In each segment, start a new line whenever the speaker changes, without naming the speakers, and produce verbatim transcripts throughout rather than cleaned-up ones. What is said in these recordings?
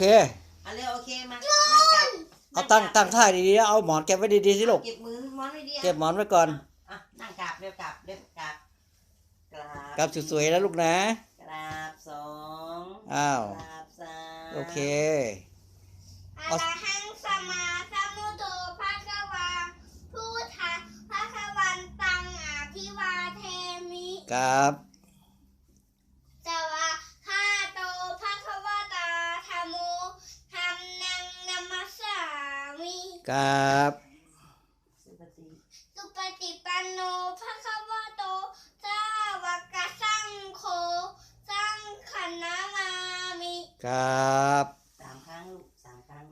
เค
เอาเร็วโอเคมานั่งกลับ
เอาตั้งตั้งท่าดีๆเอาหมอนเก็บไว้ดีๆสิลูก
เก็บมือหมอนไว้ดี
เก็บหมอนไว้ก่อน
อ่ะนั่งกลับเร็วกลับเร็วกลับกราบ
กลับสวยๆแล้วลูกนะ
กราบสอง
อ้าว
กราบสาม
โอเค
อะระหังสัมมาสัมพุทโธภะคะวาพุทธังภะคะวันตังอะภิวาเทมิ
ครับ
สวะคาโตภะคะวะตาธัมโมธัมมังนัมมัสสามิ
ครับ
สุปฏิ
สุปฏิปันโนภะคะวะโตสาวกสังโฆสังฆนามามิ
ครับ
สามครั้งลูกสามครั้ง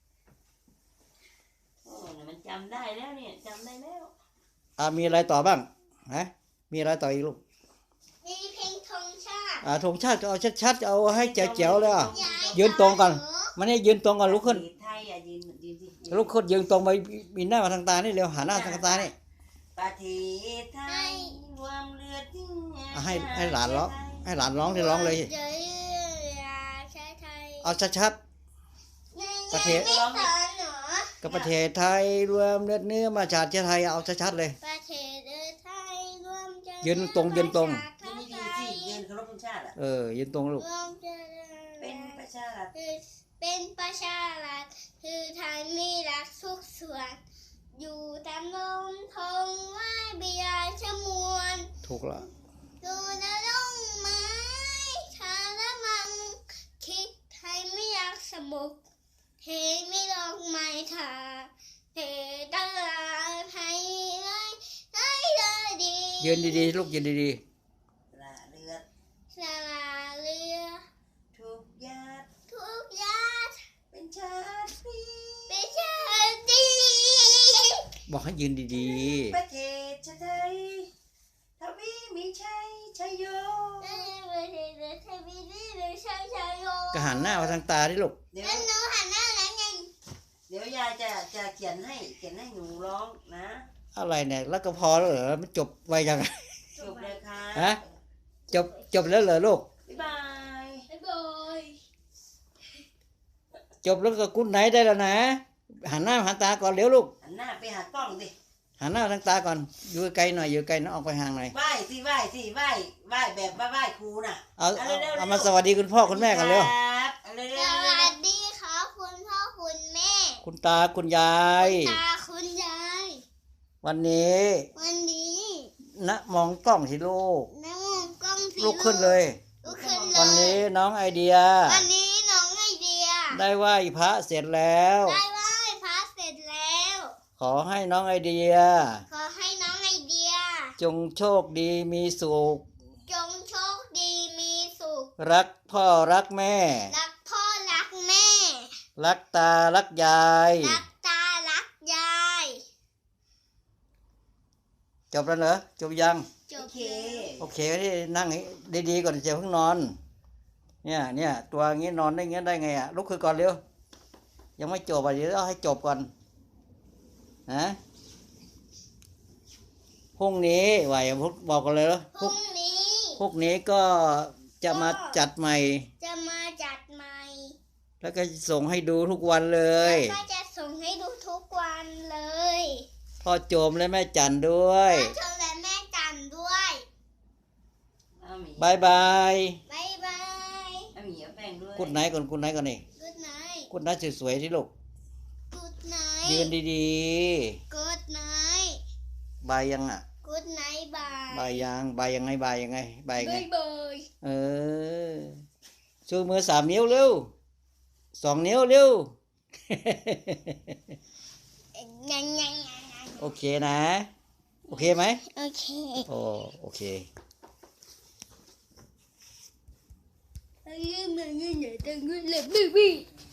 โอ้เนี่ยมันจำได้แล้วเนี่ยจำได้แล้ว
อ่ามีอะไรต่อบ้างฮะมีอะไรต่ออีกลูก
มีเพลงธงชาติ
อ่าธงชาติเอาชัดๆเอาให้แจ๋วๆเลยอ่ะ
ยาย
ยืนตรงก่อนมันนี่ยืนตรงก่อนลุกขึ้น
ไทยอ่ะยืนยืนสิ
ลุกขึ้นยืนตรงไปมีหน้ามาทางตานี่เร็วหันหน้าทางตานี่
ประเทศไทยรวมเลือดยิ่ง
อ่ะให้ให้หลานร้องให้หลานร้องที่ร้องเลย
เจริญราชาไทย
เอาชัด ประเทศ
ไม่สอนเหรอ
ๆกับประเทศไทยรวมเลือดเนื้อมาชาติเชื้อไทยเอาชัดๆเลย
ประเทศไทยรวมเจริญ
ยืนตรงยืนตรง
ประชา
ยืน
ไท
ดีๆสิ
ย
ยืนเคารพธงชาติอ่ะ
เออยืนตรงลูก
รวมเจริญ
เป็นประชารัฐ
คือเป็นประชารัฐคือไทยมีรักทุกส่วน อยู่ตามลมทงไหว้เบียร์ชมวน
ถูกละ
ดูนร่องไม้ชาละมัง คิดไทยไม่อยากสมุกเทไม่ลองไม้ทาเทตลาดไทยเลยได้เลยดี
ยืนดีๆลูกยืนดี
ละเลือด
สลาเรือ
ทุกญาติ
ทุกญาติ
เป็นชาติพี
เป็นชาติ
ๆบอกให้ยืนดี
ประเทศชาติไทยทวีมีชัยชัยโย
เอ้ยประเทศไทยมีดีเลยชายชายโย
ๆก็หันหน้ามาทางตาดิลูก
เดี๋ยว
แล้วหนูหันหน้าแล้วไง
เดี๋ยวยายจะจะเขียนให้เขียนให้หนูร้องนะ
อะไรเนี่ยแล้วก็พอแล้วเหรอมันจบไวยังไง
จบเลยค่ะ
ฮะ จบจบแล้วเหรอลูก
บ๊ายบาย
บ๊ายบาย
จบแล้วก็กุ้นไหนได้แล้วนะหันหน้าหันตาก่อนเร็วลูก
หันหน้าไปหากล้องสิ
หันหน้าทางตาก่อนอยู่ไกลหน่อยอยู่ไกลนะออกไปห่างหน่อย
ไหว้สิไหว้สิไหว้ไหว้แบบว่าไหว้ครูน่ะ
เอา
เอา
เอา
เร็วๆ
เอามาสวัสดีคุณพ่อคุณแม่กันเร็ว
ครับเอาเร็ว
ส
ๆเร็ว
วัสดีครับคุณพ่อคุณแม่
คุณตาคุณยาย
ตาคุณยาย
วันนี้
วันนี้
นะมองกล้องสิลูก
น้องกล้องสี
ลุกขึ้นเลย
ลุกขึ้นเลย
วันนี้น้องไอเดีย
วันนี้น้องไอเดีย
ได้ไหว้พระเสร็จแล้ว
ได้ไหว้พระเสร็จแล้ว
ขอให้น้องไอเดีย
ขอให้น้องไอเดีย
จงโชคดีมีสุข
จงโชคดีมีสุข
รักพ่อรักแม่
รักพ่อรักแม่
รักตารักยาย
รักตารักยาย
จบแล้วเหรอจบยัง
จ
โอบ เค
โอเคที่นั่งให้ดีๆก่อนจะเพิ่งนอน เนี่ยเนี่ยตัวอย่างงี้นอนได้เงี้ยได้ไงอ่ะลุกขึ้นก่อนเร็วยังไม่จบอ่ะเดี๋ยวต้องให้จบก่อนนะพรุ่งนี้ไหวพรุ่งบอกกันเลยเหรอ
พรุ่งนี้
พรุ่งนี้ก็จะมาจัดใหม่
จะมาจัดใหม่
แล้วก็ส่งให้ดูทุกวันเลย
แล้วก็จะส่งให้ดูทุกวันเลย
พ่อโจมและแม่จันด้วย
พ่อชมและแม่จันด้วย
เอาหมี
บายบาย
บายบาย
เอาหมีเอาแป้งด้วย
กุดไหนก่อนกุดไหนก่อนนี่
กูดไนท์
กุดไหนสวยๆที่ลูก
กูดไน
ยืน
ท์
ดี
กูดไนท์
ๆบายยังอ่ะ
กูดไนท์บาย
บายยังบายยังไงบายยังไงบายยังไง
บายบาย
เออชูมือสามนิ้วเร็วสองนิ้วเร็ว
ยังยัง
โอเคนะ โอเคไหม
โอเค
โอ้โอเค
เอ้ยมันยังไงตั้งเงินเลยบีบี